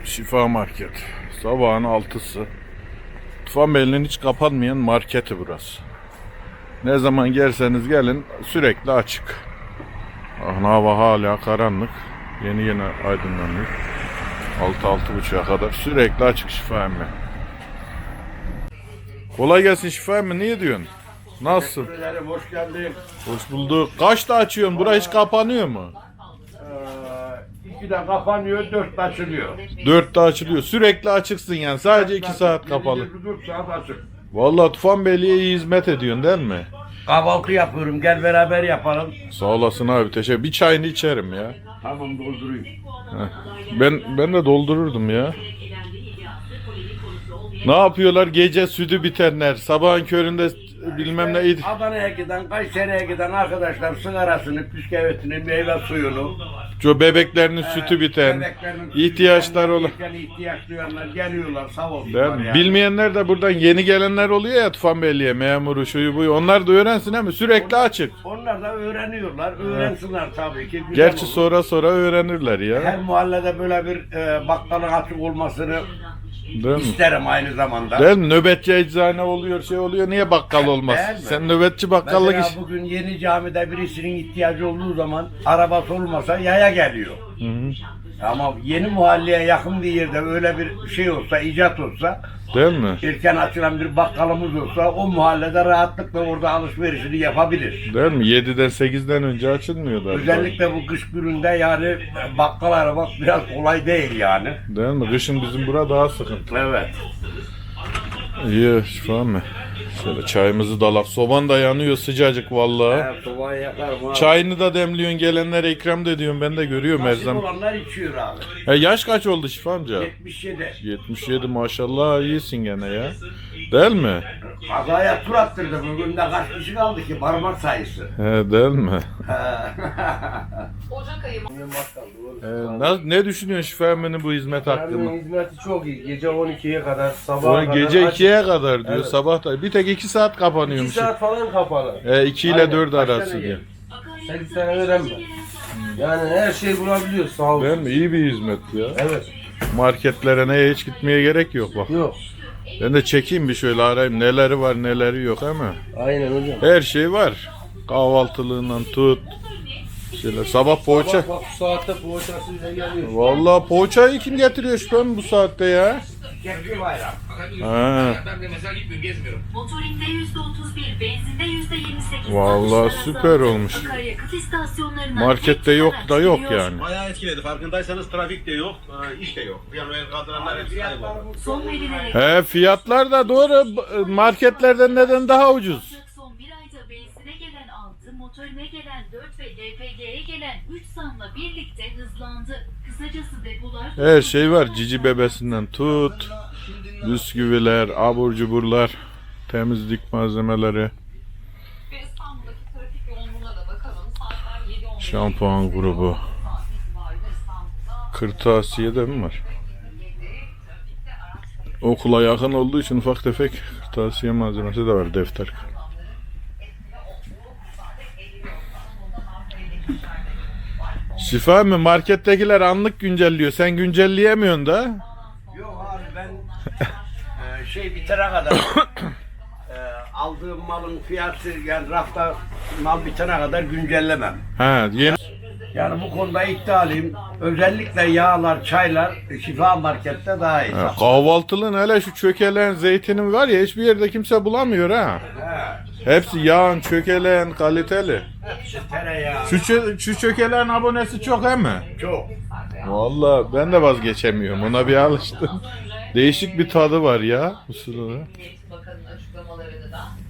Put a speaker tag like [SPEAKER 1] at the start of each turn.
[SPEAKER 1] Şifa Market. Sabahın 6'sı. Tufanbeyli'nin hiç kapanmayan marketi burası. Ne zaman gelseniz gelin sürekli açık. Hava hala karanlık. Yeni aydınlanıyor. 6-6.30'a kadar sürekli açık Şifa emmi. Kolay gelsin Şifa emmi, niye diyorsun? Nasılsın?
[SPEAKER 2] Hoş geldin.
[SPEAKER 1] Hoş bulduk. Kaçta açıyorsun? Bura hiç kapanıyor mu?
[SPEAKER 2] 2'de kapanıyor, 4'te açılıyor.
[SPEAKER 1] 4'te açılıyor. Sürekli açıksın yani. Sadece 2 saat kapalı.
[SPEAKER 2] 4 saat açık.
[SPEAKER 1] Vallahi Tufanbeyli'ye iyi hizmet ediyorsun değil mi?
[SPEAKER 2] Kahvaltı yapıyorum, gel beraber yapalım.
[SPEAKER 1] Sağ olasın abi, teşekkür. Bir çayını içerim ya.
[SPEAKER 2] Tamam, doldurayım.
[SPEAKER 1] Ben de doldururdum ya. Ne yapıyorlar? Gece sütü bitenler, sabahın köründe bilmem ne.
[SPEAKER 2] Adana'ya giden, Kayseri'ye giden arkadaşlar sigarasını, bisküvitini, meyve suyunu,
[SPEAKER 1] Şu bebeklerinin sütü biten, ihtiyaçları olan.
[SPEAKER 2] ihtiyaç duyanlar geliyorlar, sağ
[SPEAKER 1] Değil
[SPEAKER 2] olsunlar
[SPEAKER 1] mi?
[SPEAKER 2] yani.
[SPEAKER 1] Bilmeyenler de buradan yeni gelenler oluyor ya Tufanbeyli'ye, memuru şuyu buyu. Onlar da öğrensin ama sürekli açık.
[SPEAKER 2] Onlar da öğreniyorlar, öğrensinler tabii ki. Güzel
[SPEAKER 1] Gerçi
[SPEAKER 2] olur.
[SPEAKER 1] sonra öğrenirler ya.
[SPEAKER 2] Her mahallede böyle bir bakkalın açık olmasını
[SPEAKER 1] Değil mi?
[SPEAKER 2] isterim aynı zamanda.
[SPEAKER 1] Değil mi? Nöbetçi eczane oluyor, şey oluyor. Niye bakkal olmaz?
[SPEAKER 2] Değil mi?
[SPEAKER 1] Sen nöbetçi bakkallık
[SPEAKER 2] Mesela
[SPEAKER 1] iş.
[SPEAKER 2] bugün yeni camide birisinin ihtiyacı olduğu zaman arabası olmasa yaya geliyor. Ama yeni mahalleye yakın bir yerde öyle bir şey olsa, icat olsa,
[SPEAKER 1] Değil mi?
[SPEAKER 2] erken açılan bir bakkalımız olsa o mahallede rahatlıkla orada alışverişini yapabilir.
[SPEAKER 1] Değil mi? 7'den 8'den önce açılmıyorlar.
[SPEAKER 2] Özellikle bu kış gününde yani bakkal aramak biraz kolay değil yani.
[SPEAKER 1] Değil mi? Kışın bizim bura daha sıkıntı.
[SPEAKER 2] Evet.
[SPEAKER 1] İyi Şifa mı? Şöyle çayımızı dalak. Soban da yanıyor sıcacık vallahi.
[SPEAKER 2] Evet, sobayı yakarım abi.
[SPEAKER 1] Çayını da demliyorsun, gelenlere ikram da ediyorsun. Ben de görüyorum her
[SPEAKER 2] Nasip
[SPEAKER 1] zaman.
[SPEAKER 2] olanlar içiyor abi.
[SPEAKER 1] Yaş kaç oldu Şifa amca?
[SPEAKER 2] 77.
[SPEAKER 1] 77 maşallah, iyisin gene ya. Değil mi?
[SPEAKER 2] Kazaya tur attırdı. Bugün de kaç kişi kaldı ki parmak sayısı.
[SPEAKER 1] He, değil mi?
[SPEAKER 3] Ocak ayı
[SPEAKER 1] Ne düşünüyorsun Şifa Emmi'nin bu hizmet hakkında?
[SPEAKER 4] Yani hizmeti çok iyi. Gece 12'ye kadar, sabaha
[SPEAKER 1] Sonra
[SPEAKER 4] kadar.
[SPEAKER 1] gece
[SPEAKER 4] açık.
[SPEAKER 1] 2'ye kadar diyor,
[SPEAKER 4] Evet.
[SPEAKER 1] sabah da. Bir tek 2 saat
[SPEAKER 4] 2
[SPEAKER 1] kapanıyormuş.
[SPEAKER 4] saat falan kapalı.
[SPEAKER 1] 2 ile
[SPEAKER 4] Aynen,
[SPEAKER 1] 4
[SPEAKER 4] kaç
[SPEAKER 1] arası
[SPEAKER 4] tane
[SPEAKER 1] diyor.
[SPEAKER 4] 8 tane veren mi? Yani her şeyi bulabiliyoruz, sağ olun.
[SPEAKER 1] Değil mi? İyi bir hizmet ya.
[SPEAKER 4] Evet.
[SPEAKER 1] Marketlere neye hiç gitmeye gerek yok bak.
[SPEAKER 4] Yok.
[SPEAKER 1] Ben de çekeyim bir şöyle, arayayım neleri var neleri yok ama.
[SPEAKER 4] Aynen hocam.
[SPEAKER 1] Her şey var. Kahvaltılığından tut. Şöyle sabah poğaça.
[SPEAKER 4] Bak bu saatte poğaçasıyla geliyor.
[SPEAKER 1] Vallahi poğaçayı kim getiriyor şüphem bu saatte ya?
[SPEAKER 2] Kekli bayram.
[SPEAKER 1] Ha.
[SPEAKER 3] Ben de mesela gitmiyorum, gezmiyorum. Motorinde %31, benzinde %28.
[SPEAKER 1] Vallahi süper olmuş.
[SPEAKER 3] Akaryakıt istasyonlarına
[SPEAKER 1] Markette yok da yok yani.
[SPEAKER 5] Bayağı etkiledi. Farkındaysanız trafik de yok, iş de yok. Bir an el kaldıranlar hepsi kayboldu.
[SPEAKER 3] Son verilerek
[SPEAKER 1] He, fiyatlar da doğru. Marketlerden neden daha ucuz?
[SPEAKER 3] son bir ayda benzine gelen 6, motorine gelen 4 ve LPG'ye gelen 3 zamla birlikte hızlandı. Kısacası depolar...
[SPEAKER 1] Her şey var. Cici bebesinden tut. Bisküviler, abur cuburlar, temizlik malzemeleri,
[SPEAKER 3] İstanbul'daki trafik yoğunluğuna da bakalım. Saatler 7:15.
[SPEAKER 1] şampuan grubu.
[SPEAKER 3] Saat itibariyle İstanbul'da
[SPEAKER 1] Kırtasiye de mi var? Okula yakın olduğu için ufak tefek kırtasiye malzemesi de var, defter. Şifa mı? Markettekiler anlık güncelliyor. Sen güncelleyemiyorsun da.
[SPEAKER 2] Yok abi ben şey bitene kadar aldığım malın fiyatı yani rafta mal bitene kadar güncellemem.
[SPEAKER 1] Ha, yeni.
[SPEAKER 2] Yani bu konuda iddialıyım. Özellikle yağlar, çaylar Şifa Market'te daha iyi.
[SPEAKER 1] Ha, kahvaltılığın hele şu çökelen zeytinin var ya, hiçbir yerde kimse bulamıyor ha.
[SPEAKER 2] He.
[SPEAKER 1] Hepsi yağın, çökelen, kaliteli.
[SPEAKER 2] Tereyağı.
[SPEAKER 1] Şu çökelen abonesi çok he mi?
[SPEAKER 2] Çok.
[SPEAKER 1] Vallahi ben de vazgeçemiyorum. Ona bir alıştım. Değişik bir tadı var ya bu sırada.
[SPEAKER 3] Bakanın açıklamalarını da